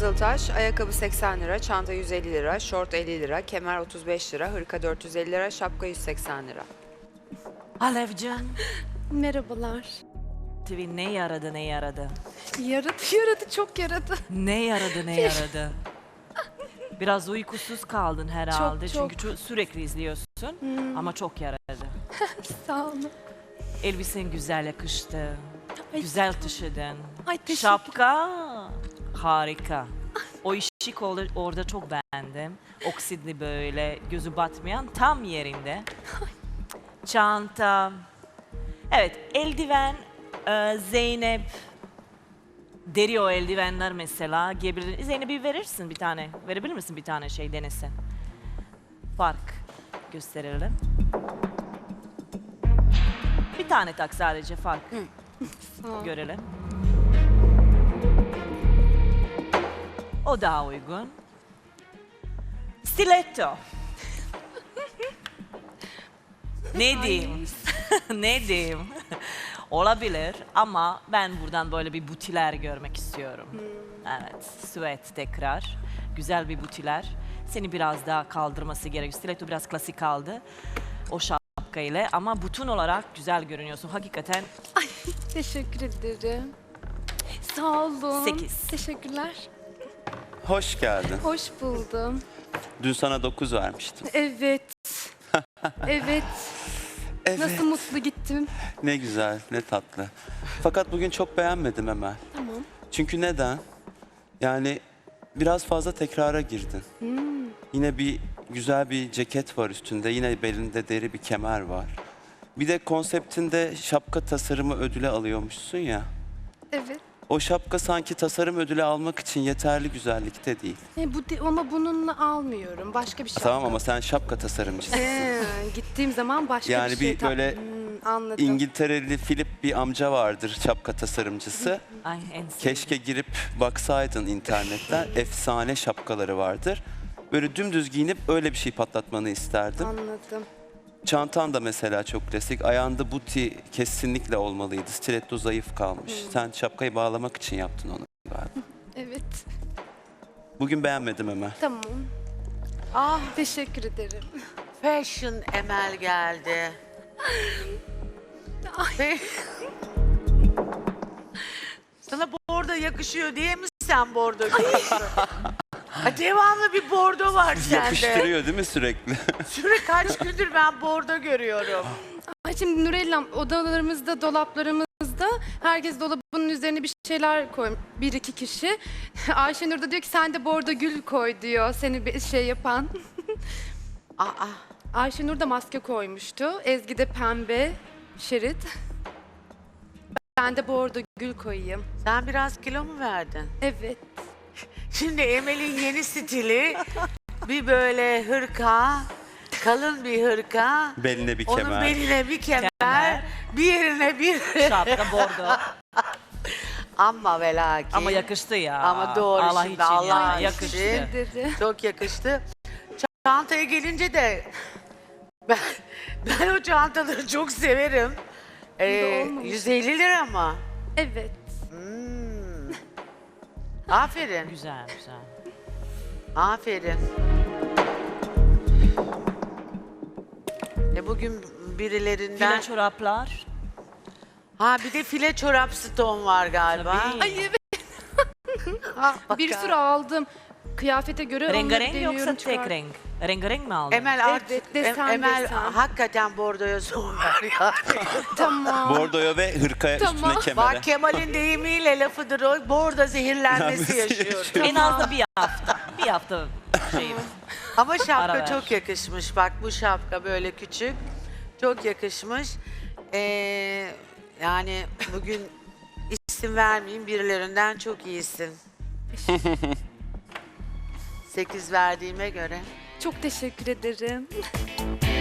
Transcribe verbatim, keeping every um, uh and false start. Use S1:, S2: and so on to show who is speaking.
S1: Kızıltaş, ayakkabı seksen lira, çanta yüz elli lira, şort elli lira, kemer otuz beş lira, hırka dört yüz elli lira, şapka yüz seksen lira.
S2: Alevcan,
S3: Merhabalar.
S2: T V ne yaradı ne yaradı?
S3: Yaradı, yaradı, çok yaradı.
S2: Ne yaradı ne yaradı? Biraz uykusuz kaldın herhalde
S3: Çok,
S2: çünkü ço- sürekli izliyorsun ama çok yaradı.
S3: Sağ olun.
S2: Elbisen güzel yakıştı,
S3: Ay,
S2: güzel taşıdın.
S3: Ay, teşekkür-
S2: Şapka harika. O ışık orada, orada çok beğendim. Oksidli böyle, gözü batmayan tam yerinde. Çanta. Evet, eldiven, e, Zeynep. Deri o eldivenler mesela. Giyebilir. Zeynep'i verirsin bir tane. Verebilir misin bir tane şey denesin? Fark gösterelim. Bir tane tak sadece fark.
S3: Sağ ol.
S2: Görelim. O daha uygun. Stiletto. Ne diyeyim? Ne diyeyim? Olabilir ama ben buradan böyle bir butiler görmek istiyorum. Evet, süet tekrar. Güzel bir butiler. Seni biraz daha kaldırması gerekiyor. Stiletto biraz klasik kaldı. O şapka ile ama bütün olarak güzel görünüyorsun. Hakikaten
S3: Ay, teşekkür ederim. Sağ olun.
S2: Sekiz.
S3: Teşekkürler.
S4: Hoş geldin.
S3: Hoş buldum.
S4: Dün sana dokuz vermiştim.
S3: Evet. Evet.
S4: Evet.
S3: Nasıl mutlu gittim.
S4: Ne güzel, ne tatlı. Fakat bugün çok beğenmedim Emel.
S3: Tamam.
S4: Çünkü neden? Yani biraz fazla tekrara girdin. Yine bir güzel bir ceket var üstünde. Yine belinde deri bir kemer var. Bir de konseptinde şapka tasarımı ödülü alıyormuşsun ya.
S3: Evet.
S4: O şapka sanki tasarım ödülü almak için yeterli güzellikte değil.
S3: E, bu de- ama bununla almıyorum. Başka bir şey.
S4: Tamam ama sen şapka tasarımcısın.
S3: Ee, gittiğim zaman başka
S4: Yani
S3: bir şey.
S4: bir böyle
S3: Hmm, anladım.
S4: İngiltereli Philip bir amca vardır şapka tasarımcısı.
S2: ay en sevdiğim.
S4: Keşke girip baksaydın internetten. Efsane şapkaları vardır. Böyle dümdüz giyinip öyle bir şey patlatmanı isterdim.
S3: Anladım.
S4: Çantan da mesela çok klasik. Ayağında buti kesinlikle olmalıydı. Stiletto zayıf kalmış. Sen şapkayı bağlamak için yaptın onu galiba.
S3: Evet.
S4: Bugün beğenmedim Emel.
S3: Tamam.
S5: Ah,
S3: Teşekkür ederim.
S5: Fashion Emel geldi. Fe- Sana bordo yakışıyor diye mi sen bordo giyiyorsun? Ha, devamlı bir bordo var sende.
S4: Yakıştırıyor değil mi sürekli?
S5: Sürekli kaç gündür ben bordo görüyorum.
S3: Ay şimdi Nurellam odalarımızda, dolaplarımızda herkes dolabının üzerine bir şeyler koymuş. Bir iki kişi. Ayşenur da diyor ki sen de bordo gül koy diyor seni bir şey yapan.
S5: Aa,
S3: Ayşenur da maske koymuştu. Ezgi de pembe şerit. Ben de bordo gül koyayım.
S5: sen biraz kilo mu verdin?
S3: Evet.
S5: Şimdi Emel'in yeni stili bir böyle hırka, kalın bir hırka.
S4: Beline bir
S5: Onun
S4: kemer.
S5: beline bir kemer,
S2: Kemer.
S5: bir yerine bir...
S2: Şapka bordo.
S5: Ama ve lakin.
S2: Ama yakıştı ya.
S5: Ama doğru
S2: Allah
S5: şimdi,
S2: için
S5: Allah
S2: ya.
S5: için.
S2: Yakıştı.
S3: Dedi.
S5: Çok yakıştı. Çantaya gelince de ben, ben o çantaları çok severim. Ee,
S3: olmamış.
S5: yüz elli lira mı?
S3: Evet.
S5: Hmm. Aferin,
S2: Güzel güzel.
S5: aferin. E bugün birilerinden...
S2: File çoraplar.
S5: Ha bir de file çorap ston var galiba.
S2: Tabii.
S3: Ay evet.
S5: Ha,
S3: Bir
S5: bak-
S3: sürü aldım. Kıyafete göre onları
S2: Rengarenk
S3: deniyorum,
S2: yoksa tek
S3: çıkar-
S2: renk? Rengarenk mi aldın?
S5: Emel artık,
S3: Evet, desen,
S5: Em- Emel
S3: desen.
S5: hakikaten bordoya son ver yani.
S3: Tamam.
S4: Bordoya ve hırkaya
S3: Tamam.
S4: üstüne kemere.
S5: Bak Kemal'in deyimiyle lafıdır o. Bordo zehirlenmesi yaşıyor.
S2: En az da bir hafta. Bir hafta şeyim.
S5: Ama şapka
S2: Ara ver.
S5: çok yakışmış. Bak bu şapka böyle küçük. Çok yakışmış. Ee, yani bugün isim vermeyeyim birilerinden çok iyisin. Sekiz verdiğime göre.
S3: Çok teşekkür ederim.